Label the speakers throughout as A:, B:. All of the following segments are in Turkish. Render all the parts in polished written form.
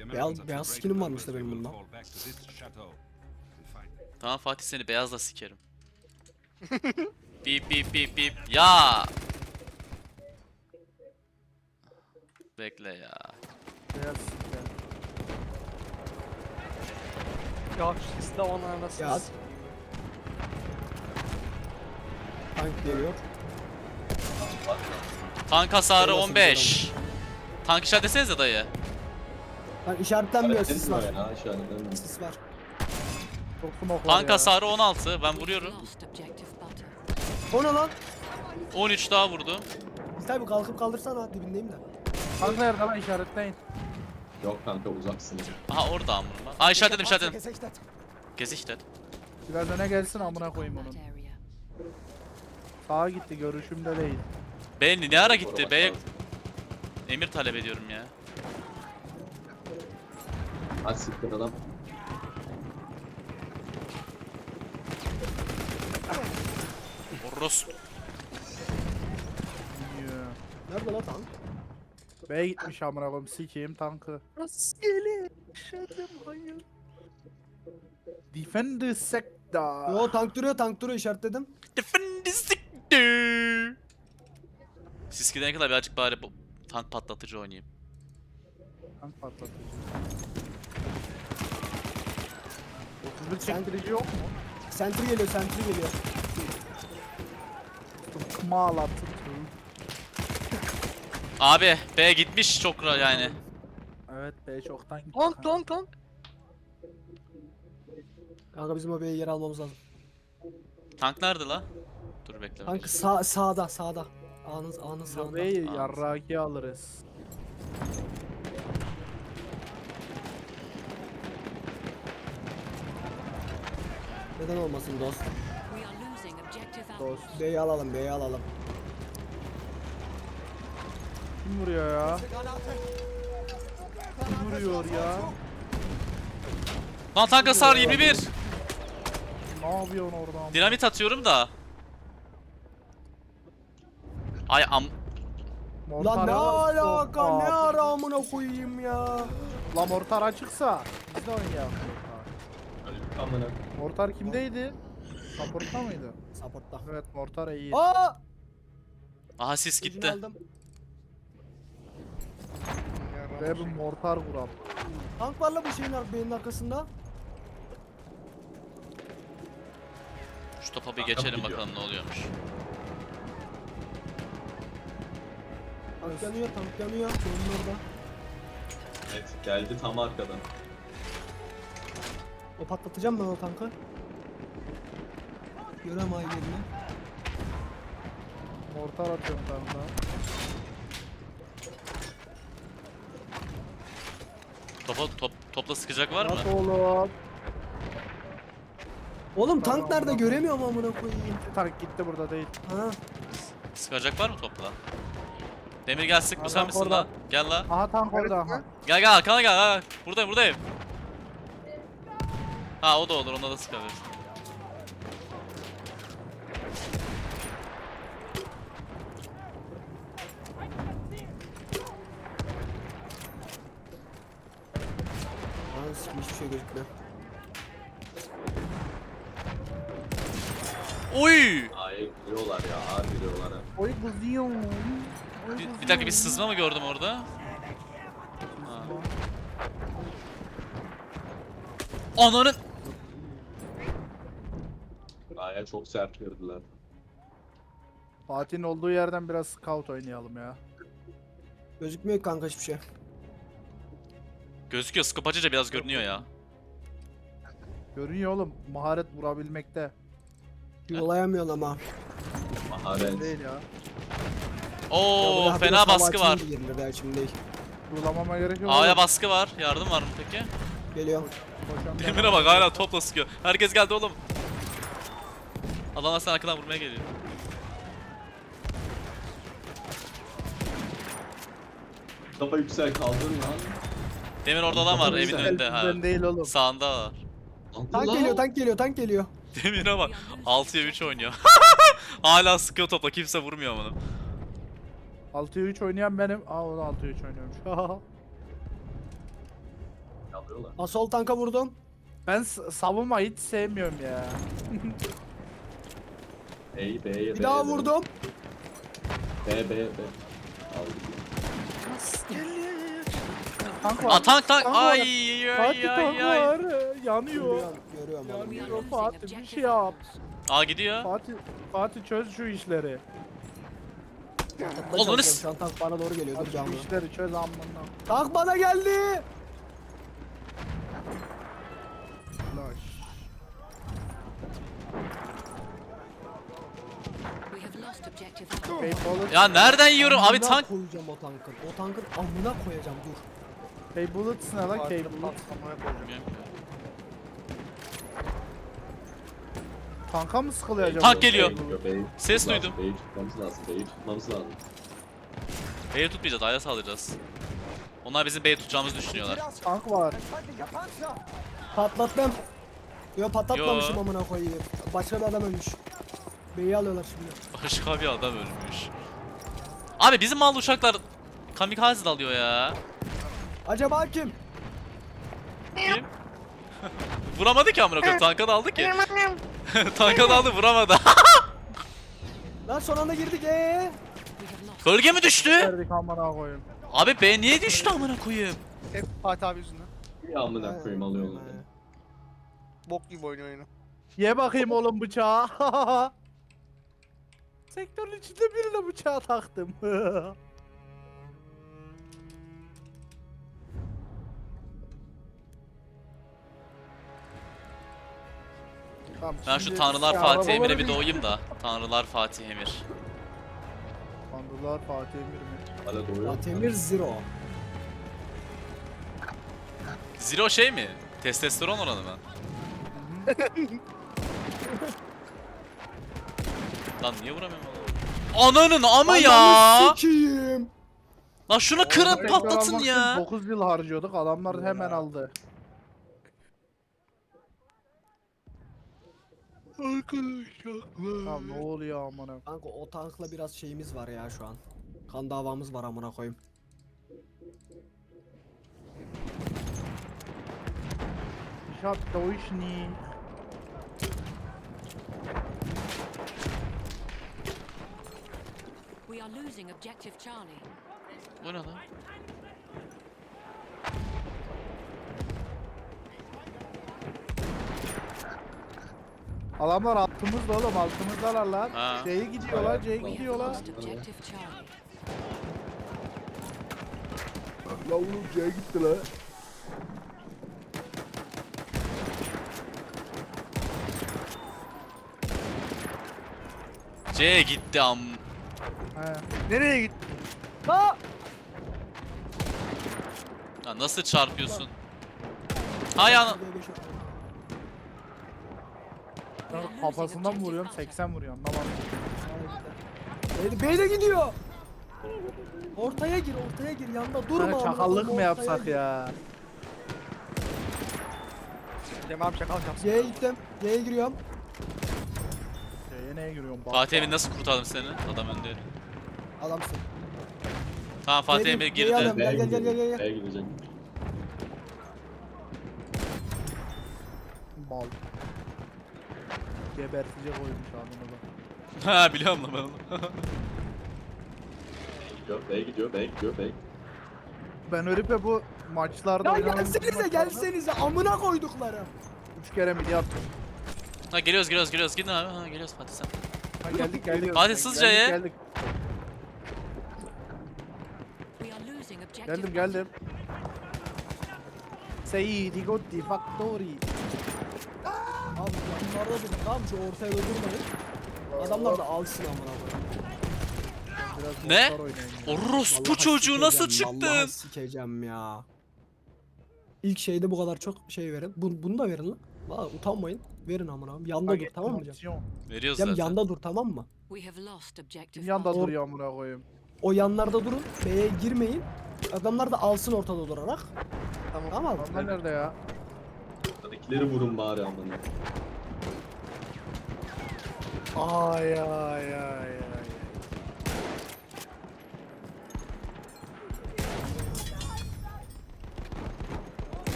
A: Beyaz skinim varmış da benim bunda.
B: Tamam Fatih, seni beyazla sikerim. Bip bip bip bip. Ya. Bekle ya.
C: Beyaz yani.
D: Ya şu sisli havanlar nasıl?
A: Ya. Tank geliyor.
B: Tank hasarı
A: Nasıl
B: 15. Tank işaret desenize dayı.
A: Lan işaretlenmiyor, sis var.
E: Ya, işaretlenmiyor.
A: Sis var.
C: Çok smoke var
B: Tank
C: ya.
B: hasarı 16. Ben vuruyorum.
F: Lost objective butter.
A: O ne lan?
B: 13 daha vurdu.
A: İltay bir kalkıp kaldırsana, dibindeyim de.
C: Tank nerede lan, işaretleyin.
E: Yok kanka, uzaksın.
B: Aha orada amına. Aa işaretledim işaretledim. Gesichtet.
C: Biraz öne gelsin, amına koyayım
F: That
C: onun.
F: area.
C: Sağa gitti, görüşümde değil.
B: B ne ara gitti? B emir talep ediyorum ya.
E: Hadi siktir adam.
B: Orros.
C: Bilmiyor.
A: Nerede lan tank?
C: B'ye gitmiş amına koyayım, sikeyim tankı.
A: Rastgele. Şadım hayır.
C: Defend the sector.
A: Yo, tank duruyor işaretledim.
B: Siz gidene kadar birazcık bari bu tank patlatıcı oynayayım.
C: Tank patlatıcı. 31 çektirici yok mu?
A: Sentry geliyor.
C: Kımala tuttu.
B: Abi B gitmiş çok yani.
C: Evet, B çoktan gitti.
D: Lan.
A: Kanka bizim o B'ye yer almamız lazım.
B: Tank nerede la? Dur bekle.
A: Tank sağda. Ağanın sağında.
C: B'yi yarraki alırız.
A: Neden olmasın dost?
F: We are losing objective alpha.
C: Dost.
A: B'yi alalım.
C: Kim vuruyor ya? Kim vuruyor ya?
B: Lan tank hasarı 21.
C: Ne yapıyorsun oradan?
B: Dinamit atıyorum da. Ay am.
A: Lan ne alaka, ne ara amına koyayım ya.
C: La mortar açıksa biz de oynayalım.
E: Amına.
C: Mortar kimdeydi? Support'ta mıydı?
A: Support'ta.
C: Evet, mortar iyi.
A: Aa!
B: Aha sis
A: Ucunu
B: gitti.
A: aldım.
C: Ve bir mortar vuram.
A: Tank var la bu şeyin B'nin arkasında.
B: Şu topa bir geçelim bakalım ne oluyormuş.
A: Tank yanıyor. B'nin orada.
E: Evet, geldi tam arkadan.
A: O patlatacağım ben o tankı. Görem ay yerini.
C: Mortar atıyorum tanka.
B: Topla sıkacak var mı?
C: At oğlum.
A: Oğlum tank
C: Tamam,
A: nerede,
C: tamam.
A: göremiyorum amına koyayım.
C: Tank gitti, burada değil.
A: Ha.
B: Sıkacak var mı topla? Demir gel sık, bu sen
C: Adam
B: misin
C: orada.
B: lan? Gel la.
C: Aha tank orada aha.
B: Gel arkana gel. Ha. Buradayım. Ha o da olur, ona da sıkabiliriz.
A: Lan hiçbir şey gözükmüyor.
B: Oy!
E: Ay giriyorlar ya, ağır giriyorlar ha.
C: Oy kızıyor.
B: Bir dakika, bir sızma mı gördüm orada? Ha. Ananın!
E: Aya çok sert girdiler.
C: Fatih'in olduğu yerden biraz scout oynayalım ya.
A: Gözükmüyor kanka hiçbir şey.
B: Gözüküyor, scope açınca biraz görünüyor ya.
C: Görünüyor oğlum, maharet vurabilmekte.
A: Yolayamıyor ama.
E: Maharet.
C: Değil ya.
B: Oo,
A: Ya
B: fena baskı var.
A: Belki değil.
C: Vurulamama gerek yok.
B: A'ya
C: oğlum.
B: baskı var. Yardım var mı peki?
A: Geliyor.
C: Koşan bir
B: Demir'e bak, hala topla sıkıyor. Herkes geldi oğlum. Adamlar sen arkadan vurmaya geliyor.
E: Kafa yüksel, kaldırın lan.
B: Demir orada adam var evin önünde ha.
C: Bizden değil oğlum.
B: Sağında var.
A: Tank geliyor.
B: Demir'e bak. 6'ya 3 oynuyor. Hala sıkıyor topla, kimse vurmuyor bunu.
C: 6'ya 3 oynayan benim. Aa, o da 6'ya 3 oynuyormuş.
E: Vuruyorlar.
A: Asol tanka vurdum.
C: Ben savunma hiç sevmiyorum ya.
E: B'ye B'ye
A: Bir daha vurdum.
E: B. Aldım.
C: Tank
B: Aa
C: var.
B: tank.
C: Tank var.
B: Ay
C: Fatih
B: ay
C: tank
B: ay ay.
C: var. Yanıyor.
A: Görüyorum
F: We
A: onu.
F: are
C: Yanıyor
F: losing
C: Fatih, bir
F: objective
C: şey yap.
F: apples.
B: Aa gidiyor.
C: Fatih çöz şu işleri.
A: Patlatmaya
B: Oğlum,
A: çalışıyorum. Şu an tank bana doğru geliyor. Dur
C: Şu
A: canlı.
C: işleri çöz amına.
A: Tank bana geldi.
F: We have lost objective apples.
C: Bullet,
B: Ya nereden yiyorum abi
A: Amına
B: tank?
A: koyacağım o tankın. O tankın amına koyacağım dur.
C: Bullets ne lan?
D: Fatih'in
C: Bullets.
D: patlamaya koyacağım.
C: Tanka mı sıkılıyor acaba?
B: Tank geliyor.
E: B'ye gidiyor, B'yi
B: Ses
E: tutmamız
B: duydum.
E: lazım, B'yi tutmamız lazım. B'yi tutmamız lazım.
B: B'yi tutmayacağız, A'ya saldıracağız. Onlar bizim B'yi tutacağımızı düşünüyorlar.
C: Tank var.
A: Patlattım. Yo patlatmamışım
B: Yo.
A: amına koyayım. Başka bir adam ölmüş. Beyi alıyorlar şimdi.
B: Başka bir adam ölmüş. Abi bizim mal uçaklar kamikaze dalıyor ya.
A: Acaba kim?
B: Kim? Vuramadı ki amına koyayım. Tanka daldı ki. Tanka daldı vuramadı.
A: Lan son anda girdik
F: We have lost.
B: Gölge mi düştü?
C: Verdik amına koyayım.
B: Abi B niye düştü amına koyayım?
D: Hep Fatih abi yüzünden.
E: Bir amına koyayım alıyorlar.
D: Bok gibi oynuyor oyunu.
C: Ye bakayım oğlum bıçağı. Sektörün içinde birine bıçağı taktım. Tamam,
B: Ben şu
C: şimdi
B: Tanrılar
C: ya,
B: Fatih Emir'e
C: arabaları
B: bir doğayım da. Tanrılar Fatih Emir.
C: Tanrılar Fatih Emir mi?
E: Hala doğuyor.
A: Atemir Zero.
B: Zero şey mi? Testosteron oranı mı? Lan niye vuramıyorum oğlum? Ananın amı ya!
A: Ananı sikiyim.
B: Lan şunu kırın
C: Tekrar
B: patlatın
C: almak için
B: ya!
C: 9 yıl harcıyorduk, adamlar hemen aldı. Tamam, ne oluyor amına?
A: Kanka o tankla biraz şeyimiz var ya şu an. Kan davamız var amına koyayım.
C: Ich hab Deutsch nie.
F: We are losing objective Charlie.
B: Bu ne lan?
C: Adamlar altımızda oğlum, altımızdalar lan.
B: Ha.
C: C'ye gidiyorlar, C'ye
F: We have
C: gidiyorlar.
F: lost objective Charlie.
C: Yavrum C'ye gitti lan.
B: C gitti am.
C: He.
D: Nereye gitti?
A: Ha!
B: Ya nasıl çarpıyorsun? Hay ana.
C: Ben kafasından mı vuruyorum, 80 vuruyorum. Anlamadım.
A: Beyne gidiyor. Ortaya gir, ortaya gir. Yanında durma.
C: Hani
A: amına
C: çakallık
A: koyayım,
C: mı
A: ortaya
C: yapsak
A: gir.
C: ya?
D: Cem abi çakal yapsın.
A: C'ye gittim. C'ye giriyorum.
C: C'ye neye giriyorum? Bak.
B: Fatih Emir nasıl kurtardım seni? Adam önde.
A: Adamsın.
B: Tamam Fatih
A: C'ye
B: Emir
A: gir, C'ye adam.
B: girdi.
A: Gel, gel, gel, gel, gel.
E: B'ye gidecek.
C: Bal. Gebertecek oymuş adamı da.
B: Ha biliyorum lan ben onu.
E: B'ye gidiyor, B'ye gidiyor, B'ye gidiyor.
C: Ben Örip'e bu maçlarda
A: Ya
C: oynadığım
A: gelsenize,
C: maçlarda
A: gelsenize. Amına koyduklarım.
C: 3 kere milyar.
B: Ha geliyoruz gidin abi. Ha geliyoruz Fatih sen.
C: Ha, geldik.
B: Hadi hızlıca ye.
C: Geldik.
F: We are losing objective
C: Geldim. Seyyidi Gotti Factory.
A: Abi yanlarda durun. Tamam şu ortaya da durmayın. Adamlar da alsın amına koyayım.
C: Biraz
B: Ne?
C: boşlar oynayın ya.
B: Orospu
A: Vallahi
B: çocuğu nasıl
A: sikeceğim, vallahi
B: çıktın?
A: sikeceğim ya. İlk şeyde bu kadar çok şey verin. Bunu da verin lan. Valla utanmayın. Verin amına. Yanda dur tamam mı Cem?
C: Aksiyon.
B: Veriyoruz
A: Cem
B: zaten.
A: yanda dur tamam mı?
F: We have lost objective
C: Kim yanda
F: Butter.
C: duruyor amına koyayım.
A: O yanlarda durun. B'ye girmeyin. Adamlar da alsın ortada durarak. Tamam.
C: Adamlar nerede ya?
E: Oradakileri vurun bari amına.
C: Ay.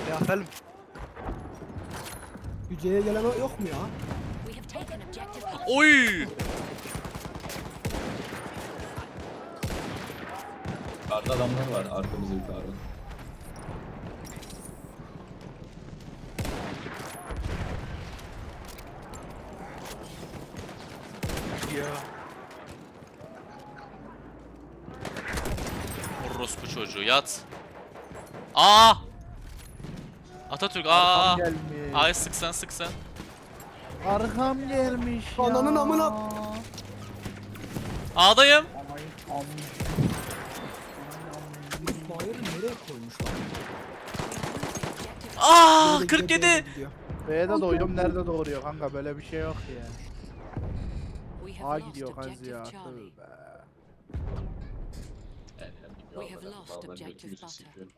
D: Ya efendim.
A: Yüceye gelen yok mu ya?
F: We have taken objective.
B: Oy!
E: Yukarıda adamlar var arkamızda yukarıda.
D: Ya.
B: Orospu çocuğu yat. Aa! Atatürk aa!
C: Arkam gelmiş.
B: Ay sık sen.
C: Arkam gelmiş ya.
A: Ananın amına.
B: A'dayım.
C: Aman,
A: İsmail nereye koymuşlar?
B: Aa!
A: Böyle
B: 47.
A: gidiyor, böyle gidiyor.
C: B'de doğuyorum nerede doğuruyor kanka böyle bir şey yok ya.
F: We
C: A
F: have lost
C: gidiyor kaz
F: objective
C: ya.
F: Charlie.
C: Tövbe.
F: We have lost objective butter.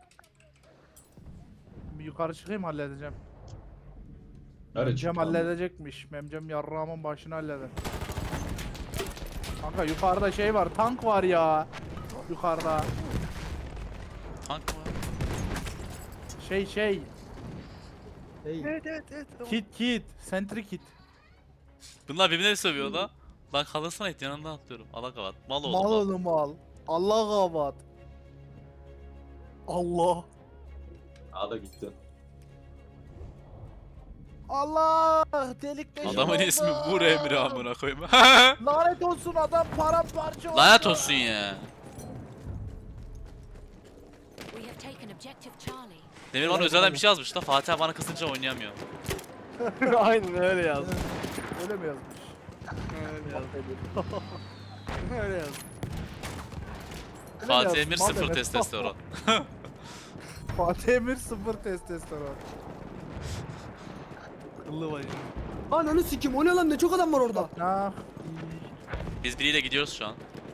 C: Bir yukarı çıkayım halledeceğim.
E: Nerede
C: Memcem
E: çıktı lan?
C: halledecekmiş. Memcem yarrağımın başını halleder. Kanka yukarıda şey var, tank var ya. Yukarıda.
B: Tank mı?
C: Şey.
A: Hey.
D: Evet.
C: Kit. Sentry kit.
B: Bunlar birbirine sövüyor da. Lan kalırsana et yanından atlıyorum. Allah kavat. Mal oldu.
C: Mal
B: Mal.
C: oğlum mal. Allah kabat.
D: Allah.
E: A'da gitti.
C: Allah delik deşik
B: Adamın
C: oldu.
B: ismi Vur Emri amına koyayım.
C: Lanet olsun adam paramparça oldu.
B: Lanet olsun ya.
F: We have taken objective Charlie.
B: Demir bana özelden bir şey yazmış da Fatih abi bana kızınca oynayamıyor.
D: Aynen öyle yazdı.
C: Öyle mi yazmış?
D: Öyle yazdı. Öyle yazdı.
B: Fatih
C: yazmış,
B: Emir
C: mal
B: 0
C: demek.
B: testosteron.
C: Fatih Emir 0 testosteron.
D: Kıllı bacım.
A: Ananı sikim, o ne lan, ne çok adam var orada.
C: Ah.
B: Biz biriyle gidiyoruz şu an.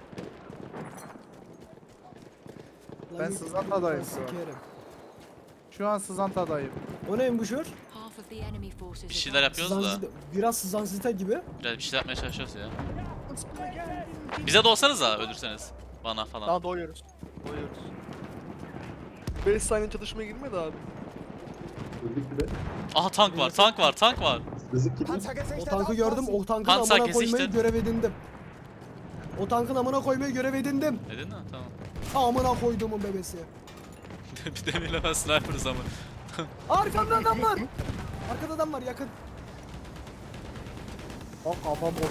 C: Ben Sızanta'dayım şu an.
A: Sikerim.
C: Şu an Sızanta'dayım.
A: O neymiş o?
F: Half of the enemy forces.
B: Bir şeyler yapıyoruz da.
A: Biraz sızan gibi.
B: Biraz bir şeyler yapmaya çalışıyoruz ya. Bize de olsanız da ölürseniz. Bana falan.
D: Daha doyuyoruz. 5 saniye çatışmaya girmedi abi.
E: Öldük bir de.
B: Aha tank var.
E: Rızık gidiyor.
A: O tankı gördüm, o tankın
B: Panzer
A: amına koymayı
B: kesişti.
A: görev edindim. O tankın amına koymayı görev edindim.
B: Dedin mi? Tamam.
A: Amına koyduğumun bebesi.
B: Bir demirle ben sniper'ız ama.
A: Arkamda adam var. Arkada adam var, yakın.
C: Bak kafam bok.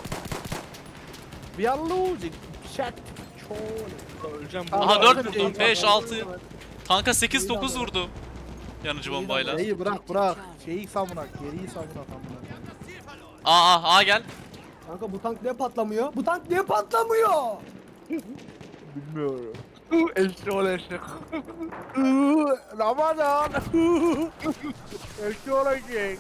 C: We are losing. Shit.
D: Öleceğim
C: Aha,
B: Aha
C: Aa,
B: 4
C: öyle
B: vurdum.
C: değil.
B: 5, 6. Tanka 8-9 vurdum. Yanıcı bombayla.
C: Şeyi bırak. Şeyi savunak. Geriyi savunak amına.
B: Aa gel.
A: Kanka bu tank niye patlamıyor? Bu tank niye patlamıyor?
C: Bilmiyorum.
D: Eşli ol eşli.
C: Ramadan. Eski olacak.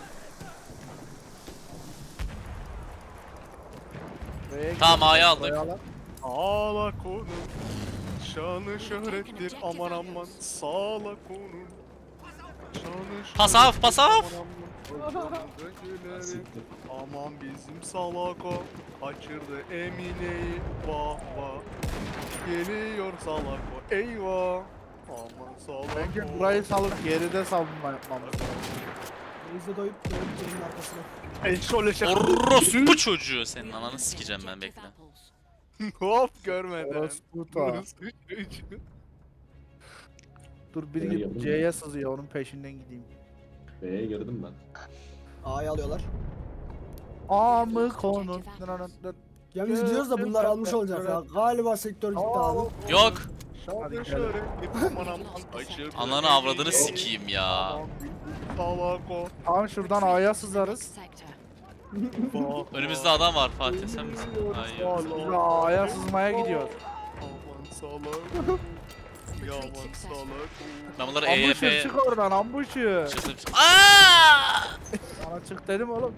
B: Tamam, A'yı aldık.
D: Ağla konum. Şanı şöhrettir aman aman. Sağla konum. Şanı
B: Pasaf,
D: şöhrettir,
B: pasaf.
D: aman aman. Öcüleri,
E: Siktir.
D: aman bizim salako. Kaçırdı Emine'yi. Vah vah. Geliyor salako. Eyvah. Aman salako.
C: Bence burayı salıp geride savunma yapmamız lazım.
A: Reis'e doyup senin arkasına.
D: Eşli ol eşli.
B: Orospu çocuğu senin ananı sikeceğim ben, bekle.
D: Hop görmeden.
C: Orospu ta. Dur biri
E: Nereye
C: gidip
E: geldim
C: C'ye sızıyor onun peşinden gideyim.
E: B'ye girdim ben.
A: A'yı alıyorlar.
C: A mı konun?
A: Yalnız gidiyoruz da bunlar almış olacak ya. Galiba sektör gitti abi.
B: Yok.
C: Hadi
D: Şanı
C: gidelim.
D: şöhrettir aman aman. Kaçırdı
B: Ananı avradını
D: Emine'yi.
B: sikeyim ya.
D: Aman bizim salako.
C: Tamam şuradan A'ya sızarız.
F: Sector.
D: Vah
B: Önümüzde adam var Fatih, sen misin? Hayır.
C: Biz A'ya sızmaya gidiyor.
D: Aman salak. Yaman salak.
B: Ben bunları
C: Ambuşur
B: EYP...
C: çık oradan ambuşur.
B: Aaa!
C: Sana çık dedim oğlum.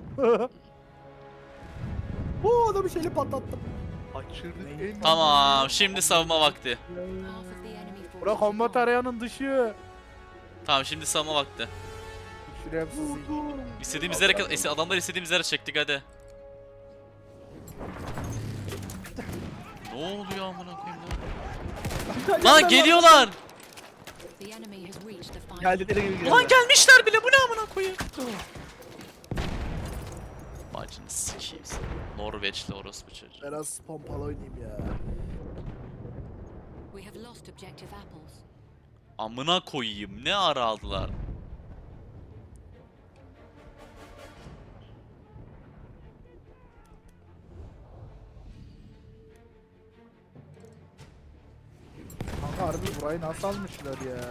A: Bu adamı şeyle patlattım.
D: Kaçırdık
C: Ne?
D: en
B: Tamam, şimdi savunma vakti.
F: Half of the enemy forces.
C: Bura kombat arayanın dışı.
B: Tamam, şimdi savunma vakti.
C: Şuraya sızayım.
B: İstediğimiz yere, adamlar istediğimiz yere çektik hadi. Ne oluyor amına koyayım lan? Lan geliyorlar.
F: The enemy has reached the final
D: Geldileri gibi geldi.
B: Ulan gelmişler bile, bu ne amına koyayım. Bacını sikeyim seni. Norveçli orospu çocuğu.
C: Biraz pompalı oynayayım ya.
F: We have lost objective apples.
B: Amına koyayım, ne ara aldılar.
C: Kanka harbi burayı nasıl almışlar ya?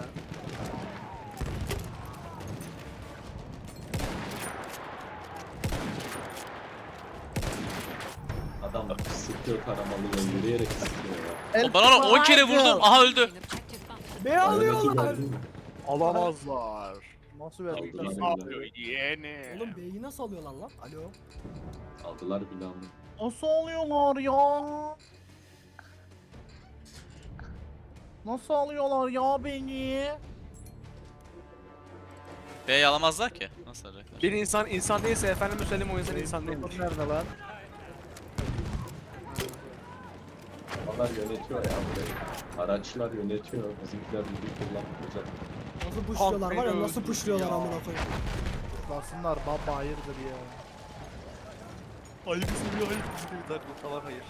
E: Adam sıkıyor taramalıyla yürüyerek sıkıyor ya.
B: O ben ona 10 kere vurdum, aha öldü.
F: Taking objective butter.
A: Ne alıyorlar?
E: Ölmesi gördün mü?
D: Alamazlar.
C: Nasıl verdik
E: Aldılar
C: lan?
E: bile.
D: Alıyor yeğeni.
A: Oğlum B'yi nasıl alıyorlar lan? Alo.
E: Aldılar bile ama.
C: Nasıl alıyorlar ya? Nasıl alıyorlar ya beni?
B: B'yi alamazlar ki. Nasıl alacaklar?
D: Bir insan değilse efendime söyleyeyim o insan insan
C: Benim
D: değildir.
C: nerede lan?
E: Onlar yönetiyor ya burayı. Araçlar yönetiyor. Bizimkiler bizi kullanmayacak.
A: Nasıl pushluyorlar var ya,
D: beni
A: nasıl
D: öldürdü
A: pushluyorlar
D: ya.
A: amına koyayım.
C: Basınlar baba hayırdır ya.
D: Ayıp seviyor ayıp seviyor. Tamam hayır.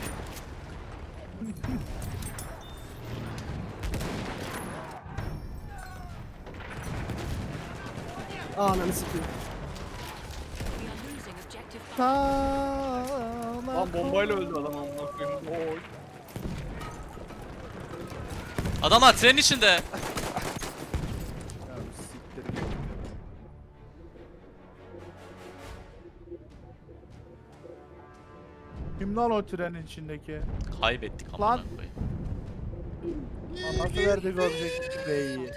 A: Ananı sikeyim.
F: We are losing objective butter.
D: Lan bombayla öldü adam amına koyayım. Oy.
B: Adamlar trenin içinde.
C: Ya siktir git. Kim lan o trenin içindeki?
B: Kaybettik amına
C: Lan.
B: koyayım.
C: Lan nasıl verdik objektif B'yi?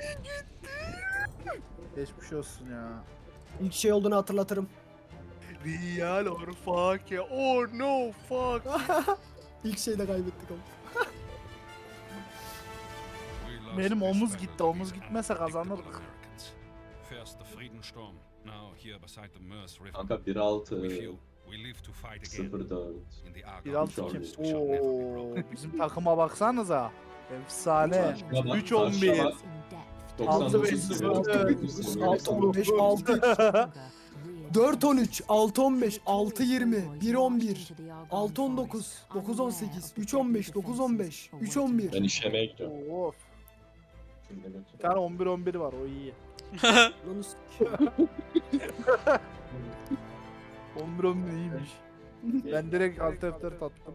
C: Geçmiş olsun ya.
A: İlk şey olduğunu hatırlatırım.
D: Real or fuck ya. Oh no fuck.
A: İlk şeyde kaybettik ama.
C: Benim omuz gitti. Omuz gitmese kazanırdık.
G: First the Friedensturm, now here beside the Meuse River.
E: Kanka 1-6
G: We feel we live to fight again
E: 0-4.
G: in the Argonne
C: 1-6 kim?
G: forest. We shall never be
C: Oo,
G: broken.
C: bizim takıma baksanıza. Efsane.
E: Karşıma bak,
C: 3-11.
E: karşıma bak.
F: In depth.
E: 99
C: Altı
E: seviyor.
A: 6-15, 6-13, 6-15, 6-20, 1-11, 6-19, 9-18, 3-15, 9-15, 3-11.
E: Ben işemeye gidiyorum.
C: Of.
E: Şimdi götür.
C: Bir tane 11-11 var o iyi.
A: Lan sikeyim.
C: 11-11 iyiymiş. Ben direkt alt F4 attım.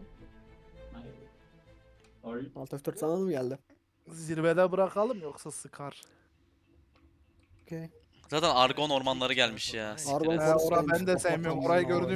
A: Alt F4 sana da mı geldi?
C: Zirvede bırakalım yoksa sıkar.
A: Okey.
B: Zaten Argon ormanları gelmiş ya. siktir
A: Argon
B: et.
A: Forest
C: Orayı
A: gelmiş.
C: ben de sevmiyorum. Orayı gördüğüm